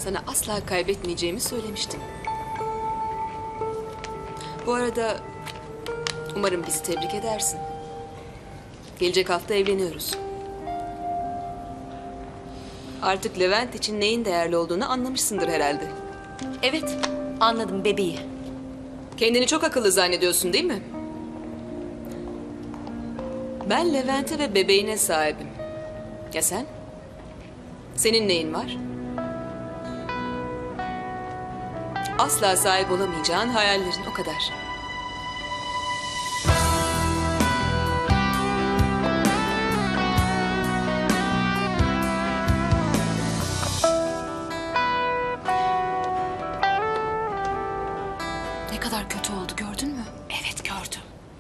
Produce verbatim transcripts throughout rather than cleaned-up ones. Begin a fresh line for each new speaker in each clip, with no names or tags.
Sana asla kaybetmeyeceğimi söylemiştim. Bu arada umarım bizi tebrik edersin. Gelecek hafta evleniyoruz. Artık Levent için neyin değerli olduğunu anlamışsındır herhalde.
Evet, anladım bebeği.
Kendini çok akıllı zannediyorsun değil mi? Ben Levent'e ve bebeğine sahibim. Ya sen? Senin neyin var? Asla sahip olamayacağın hayallerin, o kadar.
Ne kadar kötü oldu gördün mü? Evet gördüm.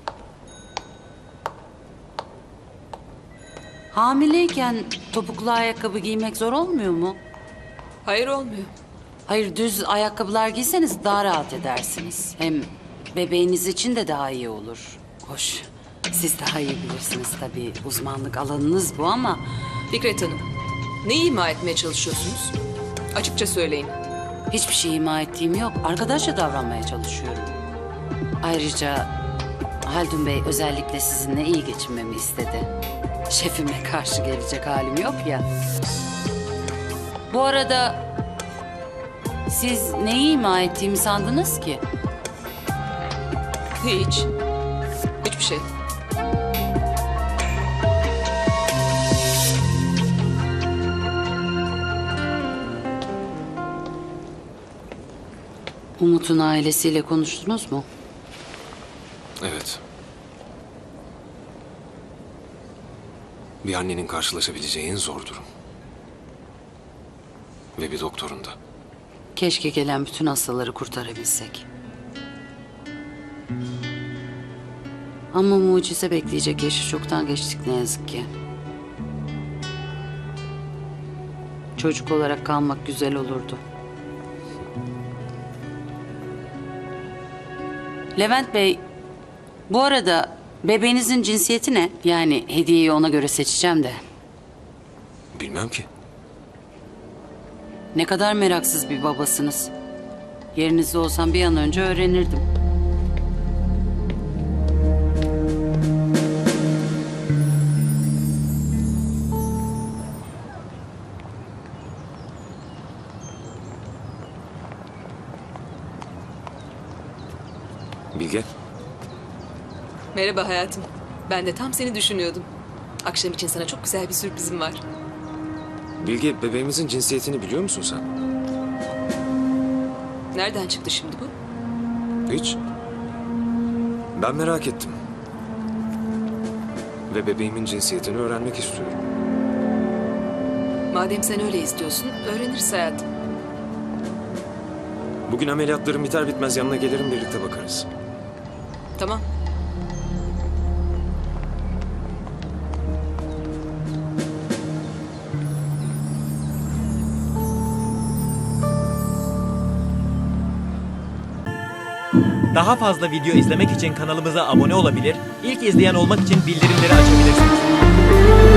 Hamileyken topuklu ayakkabı giymek zor olmuyor mu?
Hayır, olmuyor.
Hayır, düz ayakkabılar giyseniz daha rahat edersiniz. Hem bebeğiniz için de daha iyi olur. Hoş, siz daha iyi bilirsiniz tabii. Uzmanlık alanınız bu ama...
Fikret Hanım, neyi ima etmeye çalışıyorsunuz? Açıkça söyleyin.
Hiçbir şey ima ettiğim yok. Arkadaşça davranmaya çalışıyorum. Ayrıca Haldun Bey özellikle sizinle iyi geçinmemi istedi. Şefime karşı gelecek halim yok ya. Bu arada siz neyi ima ettiğimi sandınız ki?
Hiç. Hiçbir şey.
Umut'un ailesiyle konuştunuz mu?
Evet. Bir annenin karşılaşabileceği en zor durum. Ve bir doktorun da.
Keşke gelen bütün hastaları kurtarabilsek. Ama mucize bekleyecek yaşı çoktan geçtik ne yazık ki. Çocuk olarak kalmak güzel olurdu. Levent Bey, bu arada bebeğinizin cinsiyeti ne? Yani hediyeyi ona göre seçeceğim de.
Bilmem ki.
Ne kadar meraksız bir babasınız. Yerinizde olsam bir an önce öğrenirdim.
Bilge,
Merhaba hayatım. Ben de tam seni düşünüyordum. Akşam için sana çok güzel bir sürprizim var.
Bilge bebeğimizin cinsiyetini biliyor musun sen?
Nereden çıktı şimdi bu?
Hiç. Ben merak ettim. Ve bebeğimin cinsiyetini öğrenmek istiyorum.
Madem sen öyle istiyorsun, öğreniriz hayatım.
Bugün ameliyatlarım biter bitmez yanına gelirim, birlikte bakarız.
Tamam.
Daha fazla video izlemek için kanalımıza abone olabilir, ilk izleyen olmak için bildirimleri açabilirsiniz.